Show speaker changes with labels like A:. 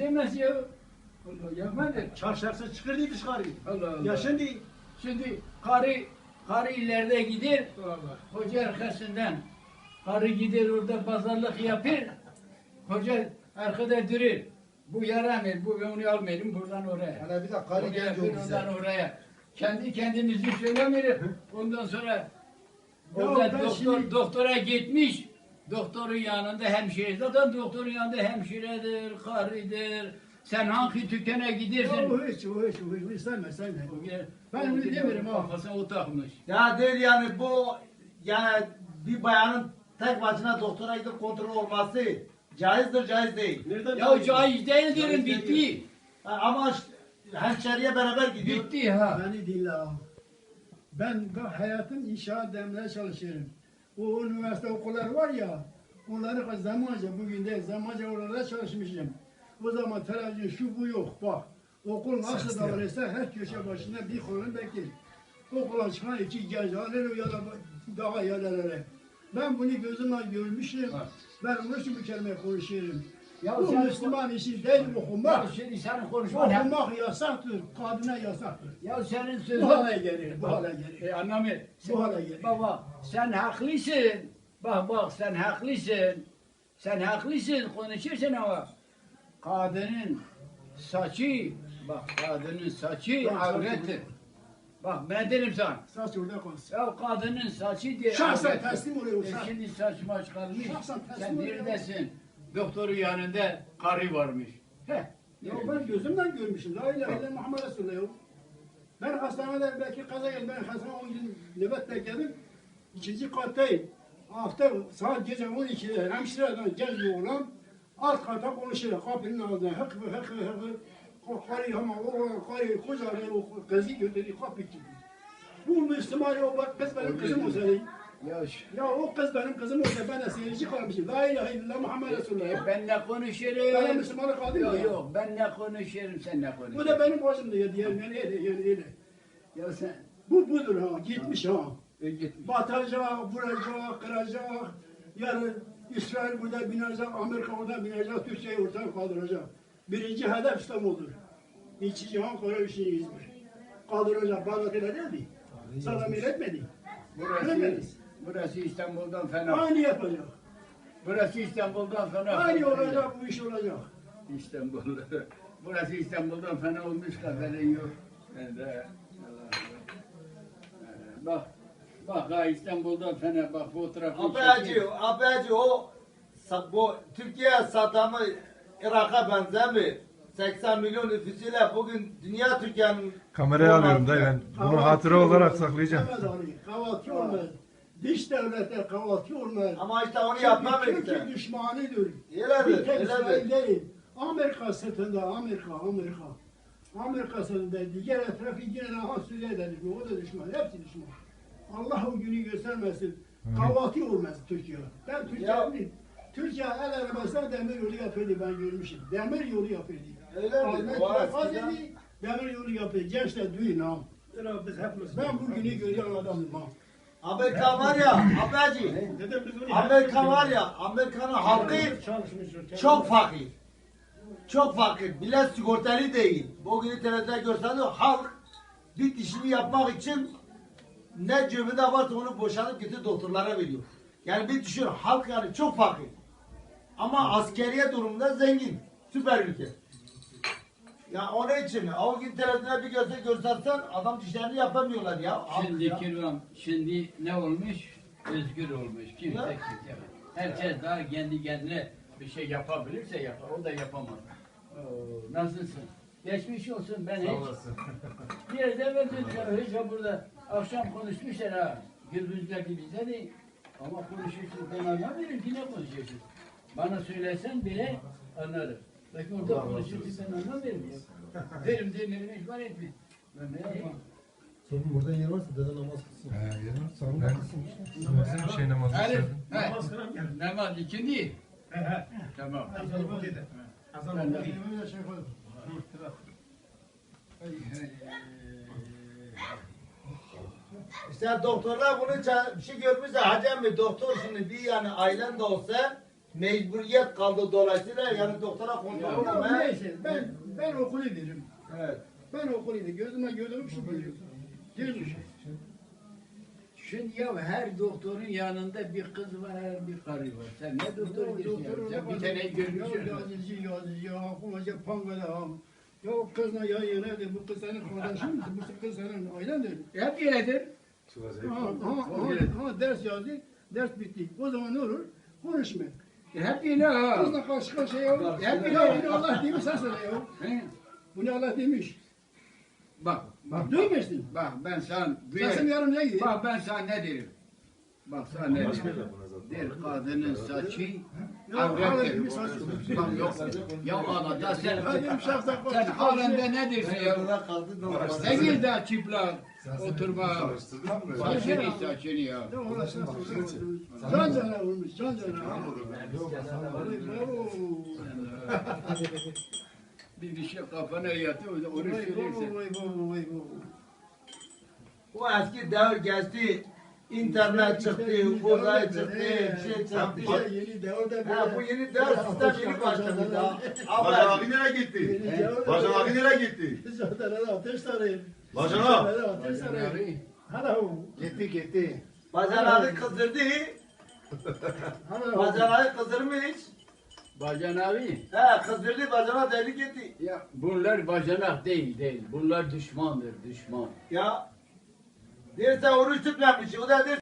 A: demez ya. Allah yapmadı.
B: Çarşafsız çıkırdı dışarı.
A: Allah Allah.
B: Ya
A: Şimdi karı ileride gider.
B: Allah.
A: Hoca arkasından. Karı gider orada pazarlık yapar. Hoca arkada durur. Bu yaramır, bu onu almayalım buradan oraya.
C: Hele bir de karı genç o bize.
A: Oradan oraya. Kendi kendimizi söylemiyoruz. Ondan sonra orada doktora gitmiş. Doktorun yanında hemşire. Zaten doktorun yanında hemşiredir, karıdır. Sen hangi dükkana gidersin?
B: O hiç sevme. Ben onu demiyorum ha.
A: Kafasına o takmış.
D: Ya der yani bu yani bir bayanın tek başına doktora gidip kontrol olması caizdir, caiz değil.
B: Nereden
A: Ya caiz değil derim bitti.
D: Ama hemşeriye beraber gidiyor.
A: Bitti ha.
B: Beni dinle ha. Ben hayatım inşaat demeye çalışıyorum. O üniversite okulları var ya, onları zamanca bugün değil, zamanca oralarda çalışmışım. O zaman televizyon şu bu yok bak. Okul nasıl davranırsa her köşe başında bir kolunu bekler. Okula çıkan iki genç alır ya da daha yerlere. Ben bunu gözümle görmüşüm. Ben onun için bu kelime konuşuyorum.
A: Ya
B: Bu
A: sen-
B: Müslüman işi değil okumak.
A: Ya şimdi senin konuşman hep.
B: Okumak yasaktır, kadına yasaktır.
A: Ya senin
B: Bu
A: sözün.
B: hale gelir, bu hale gelir.
A: Anlamı.
B: Bu hale gelir.
A: Baba sen haklısın. Bak sen haklısın. Sen haklısın konuşursun ama kadının saçı kadının saçı avrettir. Bak ben derim sana.
B: Saç orada kalsın.
A: Ya kadının saçı diye
B: Şahsen
A: avrettir.
B: teslim oluyor.
A: Şimdi saçma çıkarmış.
B: Şahsen teslim
A: Sen
B: oluyor.
A: neredesin? Doktorun yanında karı varmış.
B: Ya ben gözümden görmüşüm. La ilahe illallah Muhammed Resulullah. Ben hastanede belki kaza geldim. Ben hastanede 10 gün nöbet bekledim. İkinci kattayım. Hafta saat gece 12'de hemşireden genç bir oğlan alt kata konuşuyor. Kapının ağzına hık karı ama o karı kocaman o kızı götürdü kapı gibi. Bu Müslüman o bak kız benim kızım olsaydı. Ya o kız benim kızım olsa ben de seyirci kalmışım. La ilahe illallah Muhammed Resulullah.
A: Ben ne
B: Ben
A: konuşurum?
B: Müslümanı kaldım
A: Yok
B: ya.
A: yok ben ne konuşurum sen ne konuşuyorsun?
B: Bu da benim başımda ya diyelim yani öyle.
A: Ya sen
B: Bu budur ha gitmiş ha.
A: git.
B: Batacak, vuracak, kıracak. Yarın İsrail burada binecek, Amerika orada binecek, Türkiye'yi ortadan kaldıracak. Birinci hedef İstanbul'dur. İkinci cihan Kore üçüncü İzmir. Kaldıracak, Bağdat öyle değil mi? Saddam etmedi.
A: Burası İstanbul'dan fena.
B: Aynı yapacak.
A: Burası İstanbul'dan fena.
B: Aynı olacak, bu iş olacak.
A: İstanbul. Burası İstanbul'dan fena olmuş haberin yok. Ben de Bak ha İstanbul'dan fena bak fotoğrafı.
D: Abeci o bu Türkiye Saddam'ı Irak'a benzemiyor. 80 milyon nüfusuyla bugün dünya Türkiye'nin
E: Kameraya alıyorum dayı ben. Bunu hatıra olarak saklayacağım.
B: Kahvaltı olmaz. Dış devletler kahvaltı olmaz.
D: ama işte onu yapmam
B: Türkiye
D: işte.
B: düşmanıdır.
D: Öyledir,
B: Bir tek İsrail
D: öyledir.
B: değil. Amerika sırtında, Amerika sırtında diğer etrafı yine daha Suriye'dedir. O da düşman, hepsi düşman. Allah o günü göstermesin. Kahvaltı olmaz Türkiye. Ben Türkiye el arabasına demir yolu yapıyordu ben görmüşüm. Demir yolu yapıyordu.
D: Öyledir.
B: Ahmet
D: O
B: Vefat
D: eskiden-
B: dedi, demir yolu yapıyor. Gençler duyun ha. Ben bu günü görüyorum adamım ha.
D: Amerika var ya abeci. Amerika var ya Amerika'nın halkı çok fakir. Çok fakir. Millet sigortalı değil. Bugün televizyonda görseniz halk bir dişini yapmak için ne cebinde varsa onu boşanıp getirip doktorlara veriyor. Yani bir düşün halk yani çok fakir. Ama askeriye durumunda zengin. Süper ülke. Ya onun için o gün televizyonda bir görsen adam dişlerini yapamıyorlar ya.
A: Şimdi kirvam, şimdi ne olmuş? Özgür olmuş. Kimse kimse. Herkes daha kendi kendine bir şey yapabilirse yapar. O da yapamaz. Oo, nasılsın? Geçmiş olsun ben hiç. Bir yerde hiç burada akşam konuşmuşlar ha. Gürbüzlerdi bize de. Ama konuşuyorsun ben anlamıyorum ki ne konuşuyorsun. Bana söylesen bile anlarım. Belki orada konuşuyorsun ben anlamıyorum ya. Derim hiç var etmiyor. Ben ne yapayım?
C: Senin burada yer varsa dede namaz kılsın.
E: Ben şey namazı
A: Elif,
E: istedim.
A: namaz ikindi. Tamam.
D: İşte doktorlar bunu bir şey görmüşse hacem mi doktor şimdi bir yani ailen de olsa mecburiyet kaldı dolayısıyla yani doktora kontrol
B: Ya
D: olmaya.
B: neyse ben okulu derim.
D: Evet.
B: Ben okulu derim. Gözüme gördüğüm şey diyorum. Diyorum.
A: Şimdi ya her doktorun yanında bir kız var, bir karı var. Sen ne doktor diyorsun ya? Sen bir tane görmüşsün.
B: Yazıcı, akıllıca pangada ham. Ya o kızla ya yönedir, bu kız senin kardeşin mi? Bu kız senin ailendir.
A: Hep öyledir.
B: Ders yazdı, ders bitti. O zaman ne olur? Konuşma.
A: Hep öyle ha.
B: Kızla karşı karşıya ya.
A: Hep
B: Ya
A: öyle.
B: bunu Allah demiş sen söyle ya.
A: He?
B: Bunu Allah demiş.
A: Bak,
B: Duymuyorsun.
A: bak ben sana
B: Sesim yarım ne gidiyor?
A: Bak ben sana ne derim? Bak sana ne derim? Bir kadının saçı avrettir. Bak yok. Ya anada sen halinde ne dersin ya?
D: Yarına kaldı doktor.
A: Ne gir daha çıplak oturma saçını ya.
B: Ya Allah sen can cana vurmuş, can cana. Bravo.
A: Bir şey kafana yatıyor onu
B: Vay
A: söylersin.
B: vay vay vay.
D: O eski devir geçti. İnternet çıktı, uzay çıktı, bir şey çıktı.
B: Yeni devirde
D: Ha, bu yeni devir sistem yeni başladı daha.
F: Bacan
D: Ama
F: abi nereye gitti? Bacan abi nereye gitti?
B: Zaten ateş sarayım.
F: Bacan abi.
B: Ateş sarayım. Hello.
C: Gitti.
D: Bacan abi kızdırdı.
B: Hello.
D: Bacan abi kızdırmış.
A: Bacan abi.
D: He kızdırdı, bacana deli gitti.
A: Ya bunlar bacanak değil. Bunlar düşmandır, düşman.
D: Ya. Derse oruç tutmamış, o da der